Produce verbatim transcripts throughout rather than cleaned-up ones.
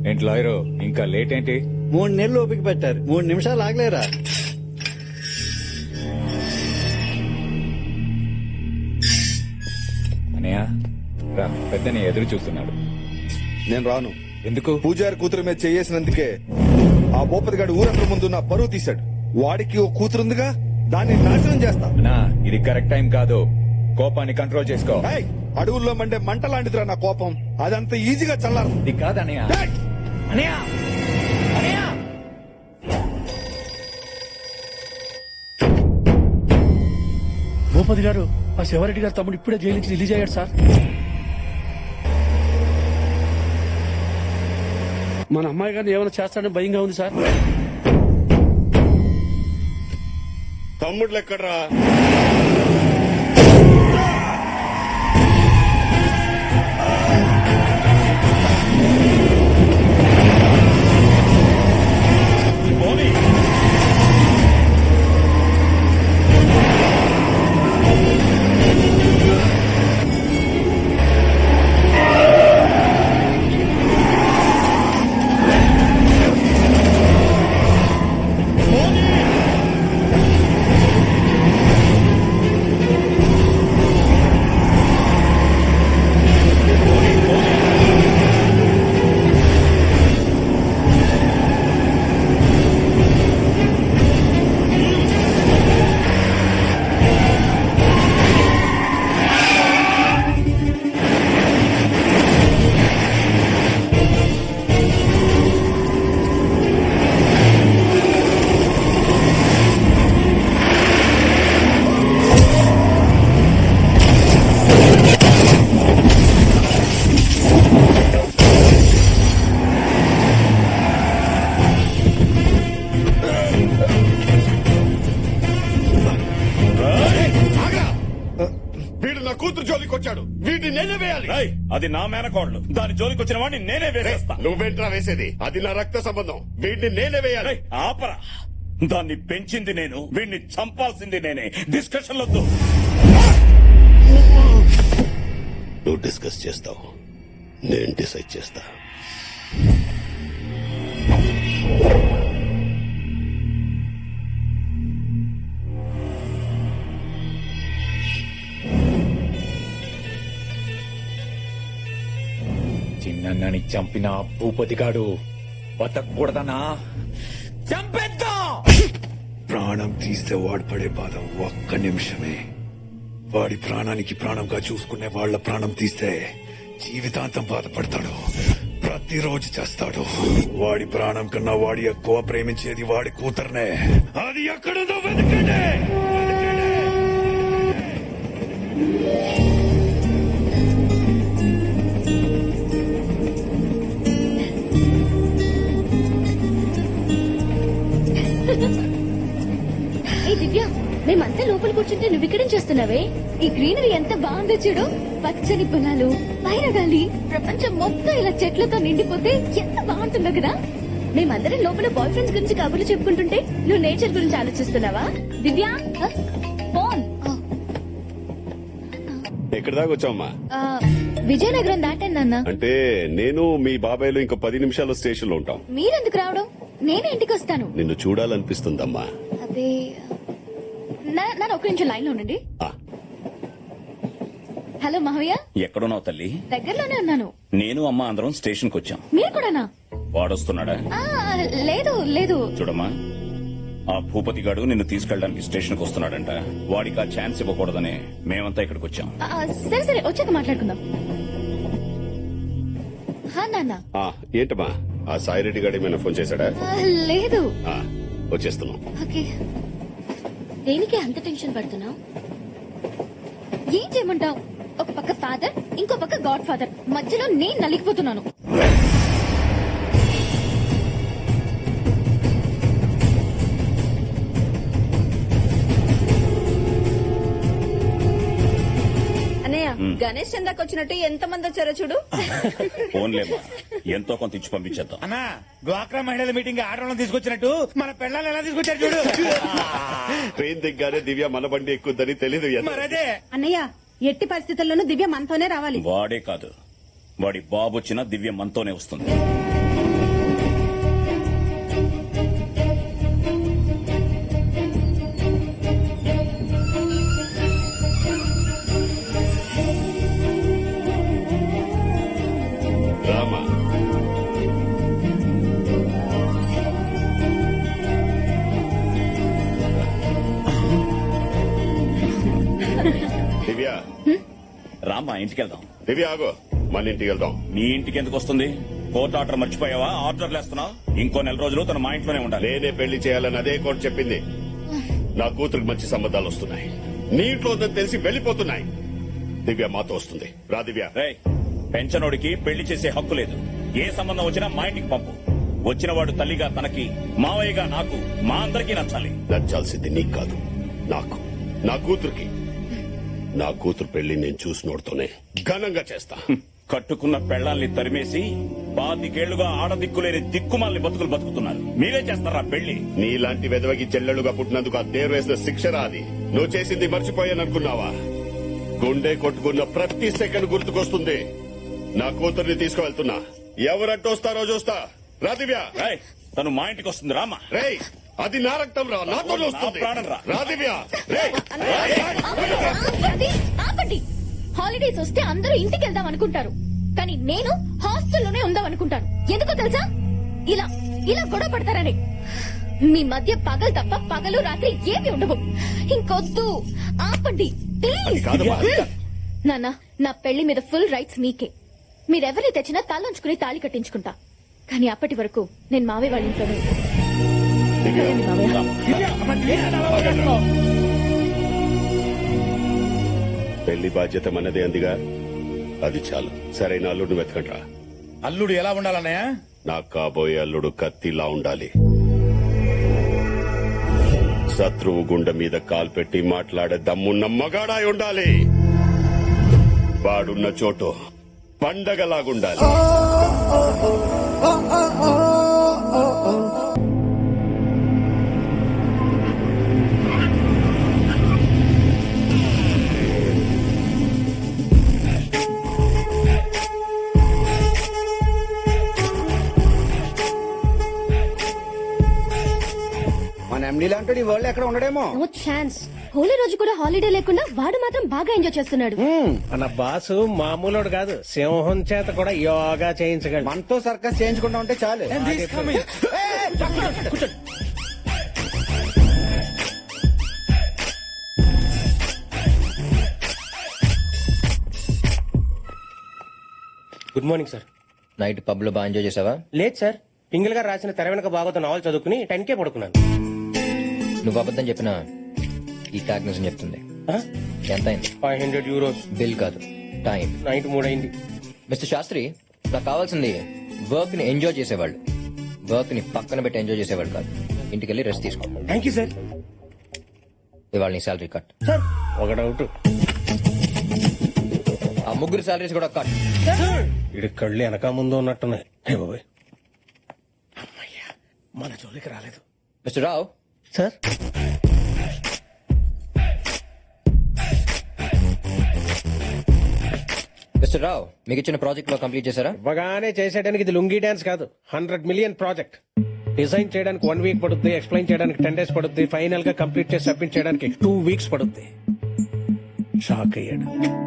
ఏంటి లాయరు ఇంకా లేట్ ఏంటి? మూడు నెలలు ఓపిక పెట్టారు, మూడు నిమిషాలు ఆగలేరా? అనయ్య రా, పెద్దని ఎదురు చూస్తున్నాడు. నేను రాను. ఎందుకు? పూజారి కూతురు మీద చేసినందుకే ఆ భూపతి గారు ఊరందరి ముందు నా పరువు తీశాడు. వాడికి ఓ కూతురుందిగా, దాన్ని నాశనం చేస్తా. నా ఇది కరెక్ట్ టైం కాదు, కోపాన్ని కంట్రోల్ చేసుకో. ఏయ్, అడవుల్లో మండే మంట లాంటిదిరా నా కోపం, అదంత ఈజీగా చల్లారు. ఇది కాదనయ్య. అనయ్య అనయ్య భూపతి గారు, ఆ శివారెడ్డి గారు తమ్ముడు ఇప్పుడే జైలు నుంచి రిలీజ్ అయ్యాడు సార్. మన అమ్మాయి గారిని ఏమైనా చేస్తాడని భయంగా ఉంది సార్. తమ్ముళ్ళు ఎక్కడ్రా? కూతురు జోలికి వచ్చాడు, వీటిని నేనే వేయాలి. అది నా మేనకోడలు, దాని జోలికి వచ్చిన వాడిని నేనే వేసేస్తా. నువ్వేంట్రా వేసేది? అది నా రక్త సంబంధం, వీటిని నేనే వేయాలి. ఆపరా, దాన్ని పెంచింది నేను, వీడిని చంపాల్సింది నేనే. డిస్కషన్ వద్దు. నువ్వు డిస్కస్ చేస్తావు, నేను డిసైడ్ చేస్తా. చిన్నని చంపిన భూపతిగాడు బతకూడదనా? చంపేద్దాం. ప్రాణం తీస్తే వాడు పడే బాధ ఒక్క నిమిషమే. వాడి ప్రాణానికి ప్రాణంగా చూసుకునే వాళ్ళ ప్రాణం తీస్తే జీవితాంతం బాధపడతాడు, ప్రతిరోజు చేస్తాడు. వాడి ప్రాణం కన్నా వాడి ఎక్కువ ప్రేమించేది వాడి కూతుర్నే. అది ఎక్కడుందో వెతకండి. ఏ దివ్య, మేమంతా లోపల కూర్చుంటే నువ్వు ఇక్కడేం చేస్తున్నావే? ఈ గ్రీనరీ ఎంత బాగుందో చూడు, పచ్చని పొలాలు, పైన గాలి, ప్రపంచం మొత్తం ఇలా చెట్లతో నిండిపోతే ఎంత బాగుంటుందో కదా. మేమందరం లోపల బాయ్ ఫ్రెండ్స్ గురించి కబుర్లు చెప్పుకుంటుంటే నువ్వు నేచర్ గురించి ఆలోచిస్తున్నావా? దివ్య ఫోన్. ఎక్కడి దాకా వచ్చావమ్మా? విజయనగరం దాటాను నాన్న. అంటే నేను మీ బాబాయ్లు ఇంకో పది నిమిషాలు స్టేషన్ లో ఉంటాం. మీరెందుకు రావడం? నేనే ఇంటికి వస్తాను. నిన్ను చూడాలనిపిస్తుందమ్మా. అదే నన్ను ఒక్క నిమిషం లైన్ లో ఉండండి. హలో మహవయ్య. ఎక్కడున్నావు తల్లి? దగ్గరలోనే ఉన్నాను. నేను అమ్మ అందరం స్టేషన్ కు వచ్చాం. మీరు కూడానా? వాడొస్తున్నాడా? లేదు లేదు. చూడమ్మా, ఆ భూపతి గాడు నిన్ను తీసుకెళ్ళడానికి స్టేషన్ కు వస్తున్నాడంట. వాడికి ఆ ఛాన్స్ ఇవ్వకూడదని మేమంతా ఇక్కడికి వచ్చాం. సరే సరే, వచ్చాక మాట్లాడుకుందాం. నాన్న. ఏంటమ్మా, ఆ సాయిరెడ్డి గారు ఏమైనా ఫోన్ చేశాడా? లేదు. వచ్చేస్తున్నాం. ఓకే. దేనికి అంత టెన్షన్ పడుతున్నావు? ఏం చేయమంటావు? ఒక పక్క ఫాదర్, ఇంకో పక్క గాడ్ ఫాదర్, మధ్యలో నేను నలిగిపోతున్నాను. గణేష్ చందాకి వచ్చినట్టు ఎంత మంది వచ్చారో చూడు. ఫోన్లేమ్మా, ఎంతో కొంత ఇచ్చి పంపించేద్దాం. అన్నా, డ్వాక్రా మహిళల మీటింగ్ ఆడవాళ్ళని తీసుకొచ్చినట్టు మన పిల్లల్ని ఎలా తీసుకొచ్చారు చూడు. ట్రైన్ దిగ్గానే దివ్య మన బండి ఎక్కుద్దని తెలీదు. మరదే అన్నయ్య, ఎట్టి పరిస్థితుల్లోనూ దివ్య మనతోనే రావాలి. వాడే కాదు, వాడి బాబు వచ్చినా దివ్య మనతోనే వస్తుంది. మా ఇంటికి వెళ్దాం. దివ్య ఆగో, మన ఇంటికి వెళ్దాం. మీ ఇంటికి ఎందుకు వస్తుంది? కోర్టు ఆర్డర్ మర్చిపోయావా? ఆర్డర్లు వేస్తున్నావు. ఇంకో నెల రోజులు తన మా ఇంట్లోనే ఉండాలి. నేనే పెళ్లి చేయాలని అదే కోర్టు చెప్పింది. నా కూతురికి మంచి సంబంధాలు వస్తున్నాయి. నీ ఇంట్లో ఉందని తెలిసి వెళ్లిపోతున్నాయి. దివ్య మాతో వస్తుంది. రా దివ్య. రేయ్, పెంచనోడికి పెళ్లి చేసే హక్కు లేదు. ఏ సంబంధం వచ్చినా మా ఇంటికి పంపు. వచ్చిన వాడు తల్లిగా తనకి, మావయ్యగా నాకు, మా అందరికీ నచ్చాలి. నచ్చాల్సింది నీకు కాదు, నాకు, నా కూతురికి. నా కూతురు పెళ్లి నేను చూసినోడుతోనే ఘనంగా చేస్తా. కట్టుకున్న పెళ్లాల్ని తరిమేసి పాతికేళ్లుగా ఆడదిక్కులేని దిక్కుమాలని బతుకులు బతుకుతున్నారు. మీరే చేస్తారా పెళ్లి? నీలాంటి వెదవకి చెల్లెలుగా పుట్టినందుకు ఆ దేరు వేసిన శిక్షరా అది. నువ్వు చేసింది మర్చిపోయాననుకున్నావా? గుండె కొట్టుకున్న ప్రతి సెకండ్ గుర్తుకొస్తుంది. నా కూతుర్ని తీసుకువెళ్తున్నా. ఎవరంటూ వస్తారో చూస్తా. రా దివ్య. రేయ్, తను మా ఇంటికి వస్తుంది. రామా. రేయ్, అది నా రక్తం రా, నాతో వస్తుంది. నా ప్రాణం రా. రా దివ్య. రేయ్. ఆపండి, ఆపండి. హాలిడేస్ వస్తే అందరూ ఇంటికి వెళ్దాం అనుకుంటారు, కానీ నేను హాస్టల్లోనే ఉందాం అనుకుంటాను. ఎందుకో తెలుసా? ఇలా ఇలా గొడవ పడతారని. మీ మధ్య పగలు తప్ప పగలు రాత్రి ఏమి ఉండవు. ఇంకొద్దు, ఆపండి ప్లీజ్. కాదమ్మా. నాన్న, నా పెళ్లి మీద ఫుల్ రైట్స్ మీకే. మీరెవరిని తెచ్చినా తలంచుకుని తాళి కట్టించుకుంటా. కానీ అప్పటి వరకు నేను మావే వాళ్ళ ఇంట్లోనే ఉంటాను. వెళ్ళండి మావయ్య. పెళ్లి బాధ్యత మనదే అందిగా, అది చాలు. సరైన అల్లుడిని వెతకండ్రా. అల్లుడు ఎలా ఉండాలన్నయ్య? నాకు కాబోయే అల్లుడు కత్తిలా ఉండాలి. శత్రువు గుండె మీద కాలు పెట్టి మాట్లాడే దమ్మున్న మగాడాయి ఉండాలి. వాడున్న చోటు పండగలాగుండాలి. మన ఎండీ లాంటి ఈ వరల్డ్ ఎక్కడ ఉండడేమో. No chance. హోలీ రోజు కూడా హాలిడే లేకుండా వాడు మాత్రం బాగా ఎంజాయ్ చేస్తున్నాడు. మన బాసు మామూలుడు కాదు, సింహం చేత కూడా యోగా చేయించగలడు. మనతో సర్కస్ చేయించుకుంటా ఉంటే చాలు. Good morning sir. Night pub లో బాగా ఎంజాయ్ చేసావా? లేదు సార్, పింగిల్ గారు రాసిన తెర వెనక బాగోతో నావల్ చదువుకుని టెన్ కే పడుకున్నాను. నువ్వు అబద్ధం చెప్పినా ఈ ట్యాగ్ నిజం చెప్తుంది. ఎంత అయింది? Five hundred euros. బిల్ కాదు, టైం. నైట్ మూడైంది. మిస్టర్ శాస్త్రి, నాకు కావాల్సింది వర్క్ ని ఎంజాయ్ చేసేవాళ్ళు, వర్క్ ని పక్కన పెట్టి ఎంజాయ్ చేసేవాళ్ళు కాదు. ఇంటికి వెళ్ళి రెస్ట్ తీసుకో. Thank you sir. ఇవాళ నీ శాలరీ కట్. సార్ ఒక డౌట్, ఆ ముగ్గురు శాలరీస్ కూడా కట్. ఇడి కళ్ళు వెనక ముందు ఉన్నట్టున్నాయి. హే బాబాయ్, అమ్మయ్యా మన జోలికి రాలేదు. Mister Rao. Sir mister Rao, మీకు ఇచ్చిన ప్రాజెక్ట్ లో కంప్లీట్ చేశారా? ఇవ్వగానే చేసేయడానికి ఇది లుంగీ డాన్స్ కాదు, హండ్రెడ్ మిలియన్ ప్రాజెక్ట్. డిజైన్ చేయడానికి వన్ వీక్ పడుద్ది, ఎక్స్ప్లెయిన్ చేయడానికి టెన్ డేస్ పడుద్ది, ఫైనల్ గా కంప్లీట్ చేసి సబ్మిట్ చేయడానికి టూ వీక్స్ పడుద్ది. షాక్ అయ్యాడు.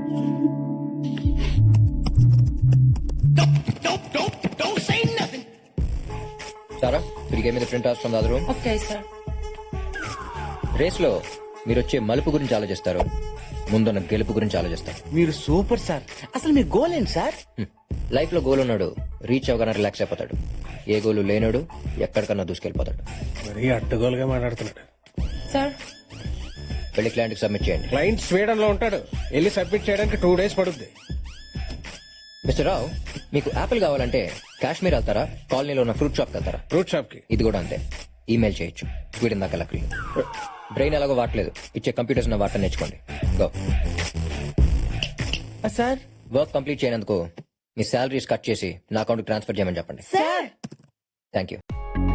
సారా, మీరు గేమ్ మీద print out from the other room. Okay sir. Race లో మీరు వచ్చే మలుపు గురించి ఆలోచిస్తారు, ముందున్న గెలుపు గురించి ఆలోచిస్తారు. మీరు సూపర్ సార్. అసలు మీ గోల్ ఏంటి సార్? లైఫ్ లో గోల్ ఉన్నాడు రీచ్ అవగానే రిలాక్స్ అయిపోతాడు. ఏ గోలు లేనాడు ఎక్కడికన్నా దూసుకెళ్లిపోతాడు. మరీ అడ్డగోలుగా మాట్లాడుతున్నాడు. సార్, వెళ్ళి క్లయింట్ కి సబ్మిట్ చేయండి. క్లయింట్ స్వీడన్ లో ఉంటాడు, వెళ్ళి సబ్మిట్ చేయడానికి టూ డేస్ పడుద్ది. మిస్టర్ రావు, మీకు యాపిల్ కావాలంటే కాశ్మీర్ వెళ్తారా, కాలనీలో ఉన్న ఫ్రూట్ షాప్ వెళ్తారా? ఫ్రూట్ షాప్ కి. ఇది కూడా అంతే, ఈమెయిల్ చేయొచ్చు. స్వీడన్ దాకా లక్లీ. బ్రెయిన్ ఎలాగో వాడలేదు, ఇచ్చే కంప్యూటర్స్ ఉన్న వాటర్ నేర్చుకోండి. గో. సార్ వర్క్ కంప్లీట్ చేయనందుకు మీ శాలరీస్ కట్ చేసి నా అకౌంట్ ట్రాన్స్ఫర్ చేయమని చెప్పండి. Sir thank you.